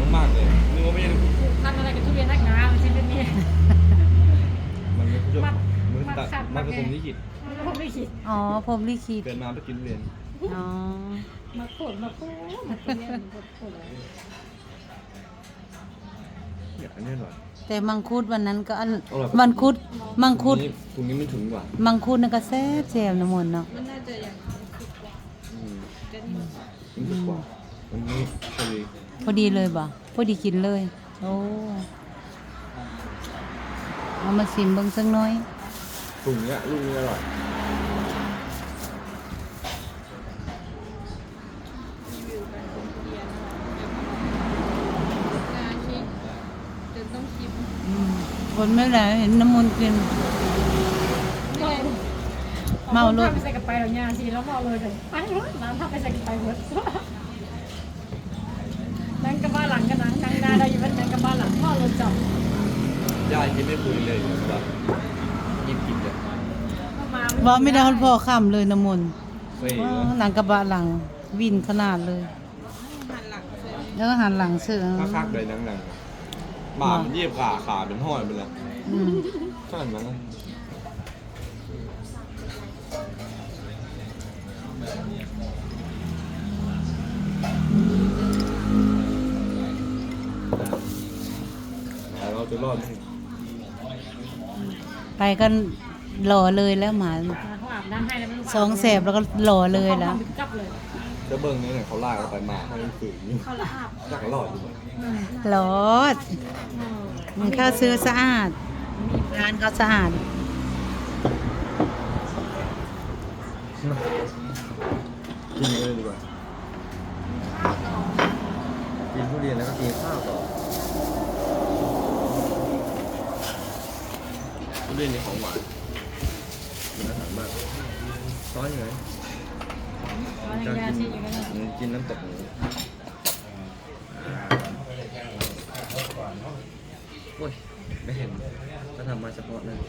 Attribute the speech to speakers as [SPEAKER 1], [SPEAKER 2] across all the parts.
[SPEAKER 1] มากๆเลยนึกว่าไม่ใช่
[SPEAKER 2] ทำอะไรกับทุเรียนนักหนามันใช่เป็นนี่
[SPEAKER 1] มันไม่ใช่
[SPEAKER 2] มัด
[SPEAKER 1] มันตัด
[SPEAKER 2] ขัด
[SPEAKER 1] มันผสมลิขิต
[SPEAKER 2] ผมไม่คิด
[SPEAKER 3] อ๋อพรหมลิขิต
[SPEAKER 1] เกิดมาเพื่อกินทุเรียน
[SPEAKER 3] อ๋อ
[SPEAKER 2] มาโผล่มาโผล่มาทุเรียนมาโผล่
[SPEAKER 1] เนี่ยอันนี้อร่อย
[SPEAKER 3] แต่มังคุดวันนั้นก็อัน
[SPEAKER 1] อร่อย
[SPEAKER 3] มังคุดมังคุด
[SPEAKER 1] ถุงนี้มันถึงกว่า
[SPEAKER 3] มังคุดนั่นก็แซ่บแซ่บน้ำมนต์เนาะ
[SPEAKER 2] มันน่าจะอย่าง
[SPEAKER 1] อืม
[SPEAKER 2] จะนี่
[SPEAKER 1] มันถึงกว่าอันนี้พอดี
[SPEAKER 3] พอดีเลยบ่พอดีกินเลย โอ้เอามาชิมเบิ่งสักหน้อย
[SPEAKER 1] ถุงเนี้ยลูกนี้อร่อย
[SPEAKER 2] งานชิมจนต้องชิม
[SPEAKER 3] คนไม่ได้เห็นน้ำมนต์กิน เมาเลย
[SPEAKER 2] ไปใส่กับไปหรอยาสิแล้วเมาเลยเลยไปเลยน้ำทับไปใส่กับไปหมดนั่งกับบ้านหลังกันนั่งหน้าได้อยู่เป็นนั่งกับบ้านหลังพ่อรถจับ
[SPEAKER 1] ยายกินไม่คุยเลยแบบกินเลย
[SPEAKER 2] มา
[SPEAKER 3] บ่ไม่ได้ฮอดพ่อค่ำเลยน้ำมนต์
[SPEAKER 1] เฮ้ย
[SPEAKER 3] อ๋อหนังกระบะหลังวินขนาดเลย
[SPEAKER 2] หันหลังเลย
[SPEAKER 3] แล้วก็หันหลังเสือ
[SPEAKER 1] คักๆเลยหนังๆหมามันเยียบขาเป็นห้อยไปเลย
[SPEAKER 3] อืม
[SPEAKER 1] ขนาดนั้นเราจะรอดไหม
[SPEAKER 3] ไปกันหล่อเลยแล้วหมา
[SPEAKER 2] เขาอาบน้ำให้แล้วไม่รู้
[SPEAKER 3] สองแสบแล้วก็หล่อเลยแล้ว
[SPEAKER 2] กลับเลย
[SPEAKER 1] จะเบิ้งเนี่ยเขาลากเราไปมาให้มันฝืนอยู่
[SPEAKER 2] เขาละอาบ
[SPEAKER 1] อยากรอดอยู่ไหม
[SPEAKER 3] หลอดมันข้าวซื้อสะอาดร้านเขาสะอาด
[SPEAKER 1] กินเลยดีกว่ากินทุเรียนแล้วก็กินข้าวต่อทุเรียนนี่ของหวานกินอาหารมากซอยยังไง
[SPEAKER 2] เขายาชีอยู่กันนะ
[SPEAKER 1] กินน้ำตกหมูโอ้ยไม่เห็นก็ทำมาเฉพาะนั่น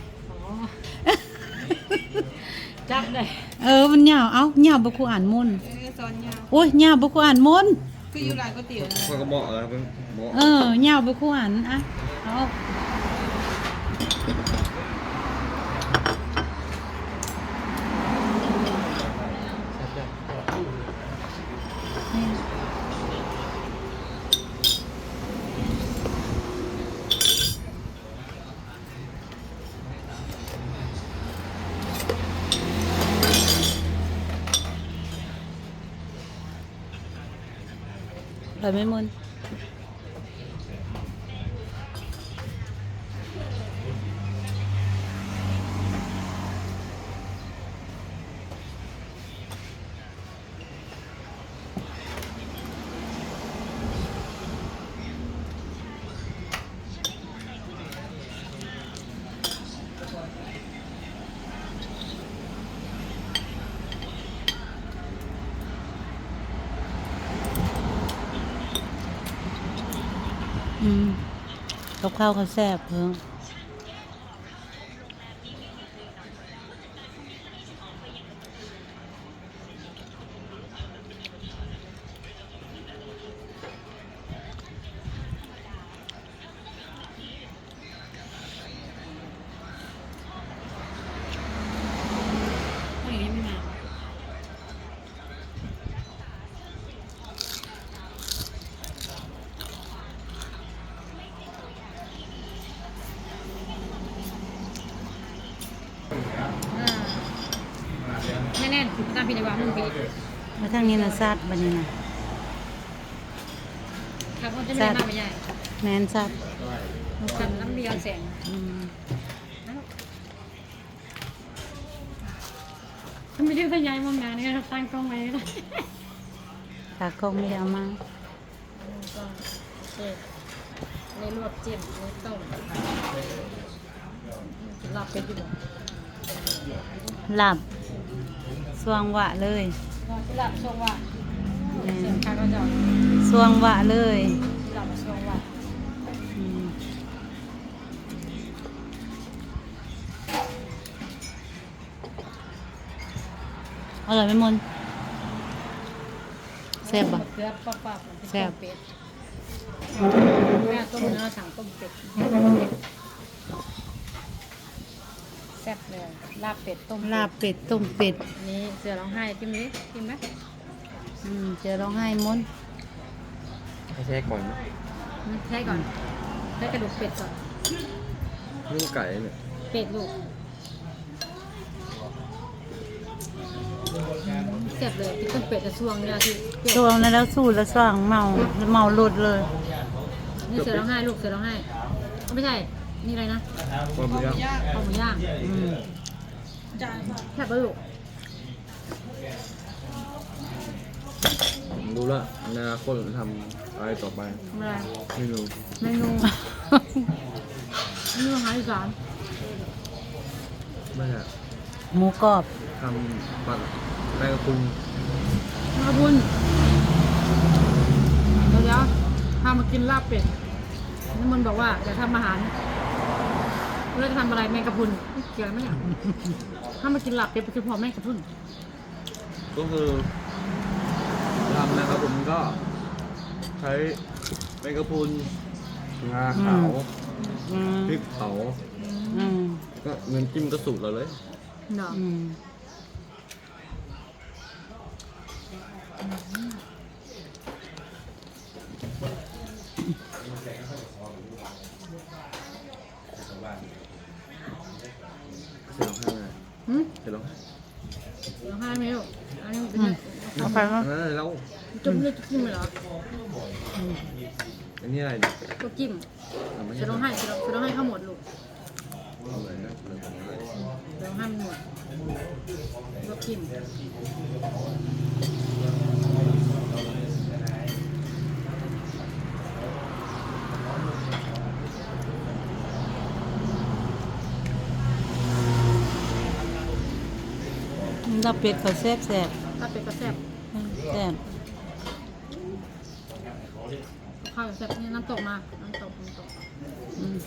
[SPEAKER 2] จับเลย
[SPEAKER 3] มันยาวเอ้ายาวบ่คูอ่านมนต์
[SPEAKER 2] ซอนยา
[SPEAKER 3] โอ้ยยาวบ่คูอ่านมนต์
[SPEAKER 2] คืออยู่ร้านก๋วยเตี๋ยวนะ
[SPEAKER 1] ข้อยก็บอกเป็นบอก
[SPEAKER 3] ยาวบ่คูอ่านอ่ะเอานี่ อร่อยไหมมนต์กับข้าวเขาแซ่บเพิ่ง
[SPEAKER 2] แน่ๆตามพี่ในวังมึงพี่
[SPEAKER 3] มาทางนี้นะซัดบันนี้นะครับ
[SPEAKER 2] เขาจะไม่ได้มากไม่ใหญ่
[SPEAKER 3] แมนซัด
[SPEAKER 2] กันน้ำเบียร์แสง
[SPEAKER 3] อืม
[SPEAKER 2] ถ้าไม่ได้ทะยายมองงานนี่ก็ตั้งกล้องไว้แล้ว
[SPEAKER 3] ตากล้องไม่ได้เอามา
[SPEAKER 2] ก็ในลวกจิ้มในต้มหลับไปดีกว่า
[SPEAKER 3] หลับสวงหวะเลย
[SPEAKER 2] หลับชงว่ะเสียงข้าก็จะ
[SPEAKER 3] สวงหวะเลย
[SPEAKER 2] หลับชงว่ะ
[SPEAKER 3] อืมอร่อยไหมมนต์แซ่บปะ
[SPEAKER 2] เกลือปั๊บๆเป็ดแม่ต้มเนื้อสั่งต้มเป็ดแซ่บเลยลาบเป็ดต้ม
[SPEAKER 3] ลาบเป็ดต้มเป็ด
[SPEAKER 2] นี่เสือร้องไห้จิ้มดิจิ้มไหม
[SPEAKER 3] เจอร้องไห้ม้วน
[SPEAKER 1] ให้แช่ก่อนนะ
[SPEAKER 2] ใช่ก่อนได้กระดูกเป็ดก่อน
[SPEAKER 1] นึ่งไก่เนี่ย
[SPEAKER 2] เป็ดลูกแซ่บเลยที่ต้มเป็ดจะช่วงเนี่ยที่เป็ด
[SPEAKER 3] ช่วงนั้นแล้วสู้แล้วสร้างเมาหลุดเลย
[SPEAKER 2] นี่เสือร้องไห้ลูกเสือร้องไห้ไม่ใช่นี่อะไรนะ
[SPEAKER 1] ความเยอะ
[SPEAKER 2] ข้าวหมูย่าง แซ่บปะลูก
[SPEAKER 1] ผมรู้ละอนาคตจะทำอะไรต่อไป
[SPEAKER 2] ทำอะไร
[SPEAKER 1] ไม่รู้
[SPEAKER 2] เมนูเมนูอาหารอีสาน
[SPEAKER 1] ไม่อะ
[SPEAKER 3] หมูกรอบ
[SPEAKER 1] ทำปัดแมงกะพรุน
[SPEAKER 2] ขอบคุณเดี๋ยวพามากินลาบเป็ดนี่มันบอกว่าจะทำอาหารเราจะทำอะไรแมงกะพรุนเกี่ยวไหมเนี่ยถ้ามากินลาบเป็ดไปคือพอแมงกะพรุน
[SPEAKER 1] ก็คือทำนะครับผมก็ใช้แมงกะพรุนงาขาว
[SPEAKER 3] อืม
[SPEAKER 1] พริกเผา
[SPEAKER 3] อืม
[SPEAKER 1] ก็เงินจิ้มก็สูตรเราเลย
[SPEAKER 2] เนาะ
[SPEAKER 3] อืม
[SPEAKER 1] เสร็จแล้วไง
[SPEAKER 2] หืม
[SPEAKER 1] เสร็จแล้ว
[SPEAKER 2] ร้องไห้ไหมลูกอันนี้เป็น
[SPEAKER 3] เอาไปวะ
[SPEAKER 1] แล้ว
[SPEAKER 2] จุ่มเลยจิ้มเลยเหรอ
[SPEAKER 1] อันนี้อะไรเนี่ย
[SPEAKER 2] ก็จิ้ม
[SPEAKER 1] ไม่
[SPEAKER 2] จะ
[SPEAKER 1] ใช่
[SPEAKER 2] ร้องไห้จะร้องไห้เข้าหมดลูก
[SPEAKER 1] เอาเลยนะเลยของอะไร
[SPEAKER 2] จะร้องไห้มันหมดก็จิ้ม
[SPEAKER 3] ลาบเป็ดเขาแซ่บแซ่บ
[SPEAKER 2] ลาบเป็ดก็แซ่บ
[SPEAKER 3] แซ่บ
[SPEAKER 2] ข้าวแซ่บนี่น้ำตกมาน้ำตก
[SPEAKER 3] อืม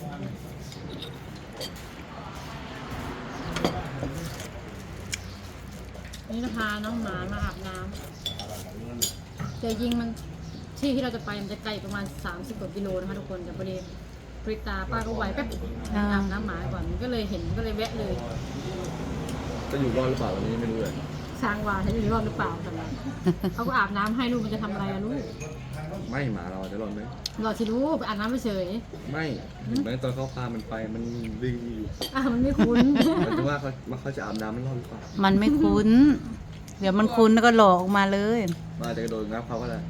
[SPEAKER 2] นี่จะพาน้องหมามาอาบน้ำแต่ยิงมันที่เราจะไปมันจะไกลประมาณ30 กว่ากิโลนะคะทุกคนแต่พอดีปริตาป้าก็ไหวแป๊บอาบน้ำหมาก่อนมันก็เลยเห็นมันก็เลยแวะเลย
[SPEAKER 1] จะอยู่รอดหรือเปล่าวันนี้ไม่รู้เลย
[SPEAKER 2] สร้างวาจะอยู่รอดหรือเปล่าแต่ละเขาก็อาบน้ำให้ลูกมันจะทำอะไรอะลูก
[SPEAKER 1] ไม่หมาเราจะรอดไหม
[SPEAKER 2] รอสิลูกไปอาบน้ำไปเฉย
[SPEAKER 1] ไม่เห็นไหมตอนเขาพามันไปมันวิ่งอยู่
[SPEAKER 2] มันไม่คุ้น
[SPEAKER 1] มันจะว่าเขาจะอาบน้ำไม่รอดหรือเปล่า
[SPEAKER 3] มันไม่คุ้น เดี๋ยวมันคุ้นแล้วก็หลอกออกมาเลย
[SPEAKER 1] มาจะกระโดดงับเขาก็ได้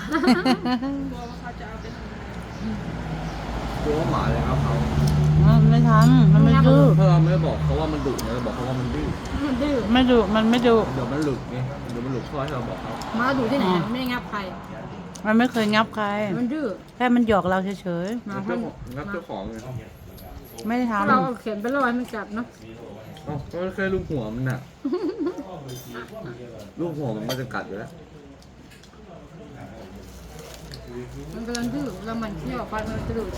[SPEAKER 1] กลัวว่าหมาเลยงับเขา
[SPEAKER 3] ไม่ทำมันไม่ดื้อ
[SPEAKER 1] ถ้าเราไม่บอกเขาว่ามันดุเนี่ยเราบอกเขาว่ามันดื้อ
[SPEAKER 2] มันดื้อ
[SPEAKER 3] ไม่ดุมันไม่ดุ
[SPEAKER 1] เดี๋ยวมันหลุดไงเดี๋ยวมันหลุดข้อที่เราบอกเขา
[SPEAKER 2] มาดูที่ไหนมันไม่ได้งับใคร
[SPEAKER 3] มันไม่เคยงับใคร
[SPEAKER 2] มันดื้อ
[SPEAKER 3] แค่มันหยอกเราเฉย
[SPEAKER 2] มา
[SPEAKER 1] งับเจ้าของไง
[SPEAKER 3] ๆไม่ได้ท
[SPEAKER 2] เราเอาเขียนไปรอให้มันกัดเนาะ
[SPEAKER 1] อ๋อก็แค่ลูกหัวมันน่ะลูกหัวมันจะกัดอยู่แล้ว
[SPEAKER 2] มันกำลังดื้อแล้วมันเที่ยวไปมันจะดื้อ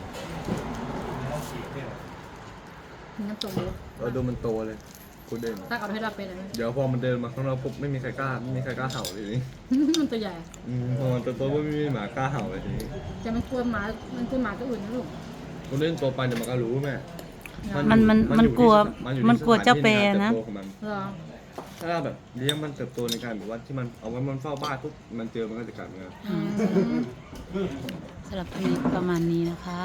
[SPEAKER 2] น้ำตกเลย
[SPEAKER 1] เราดูมันโตเลยกูเด่น
[SPEAKER 2] ถ้าเอาให้เราเป็นอะไร
[SPEAKER 1] เดี๋ยวพอมันเดินมาข้างนอกปุ๊บไม่มีใครกล้าเห่าเลยทีนี้
[SPEAKER 2] มันตัวใหญ่
[SPEAKER 1] พอมันโตปุ๊บไม่มีหมากล้าเห่าเลยทีนี้
[SPEAKER 2] แต่มันกลัวหมาตัวอื่นนะลูก
[SPEAKER 1] กูเล่นโตไปเดี๋ยวมันก็รู้แม่
[SPEAKER 3] มันกลัว
[SPEAKER 1] อยู่
[SPEAKER 3] มันกลัวเจ้าแปร
[SPEAKER 1] ที่
[SPEAKER 3] นะ
[SPEAKER 1] ใการเติบโตของมัน
[SPEAKER 2] เหรอ
[SPEAKER 1] ถ้าเราแบบเลี้ยงมันเติบโตในการแบบว่าที่มันเอาไว้มันเฝ้าบ้านปุ๊บมันเจอมันก็จะกัดมัน
[SPEAKER 2] อืม
[SPEAKER 3] สำหรับคลิปประมาณนี้นะคะ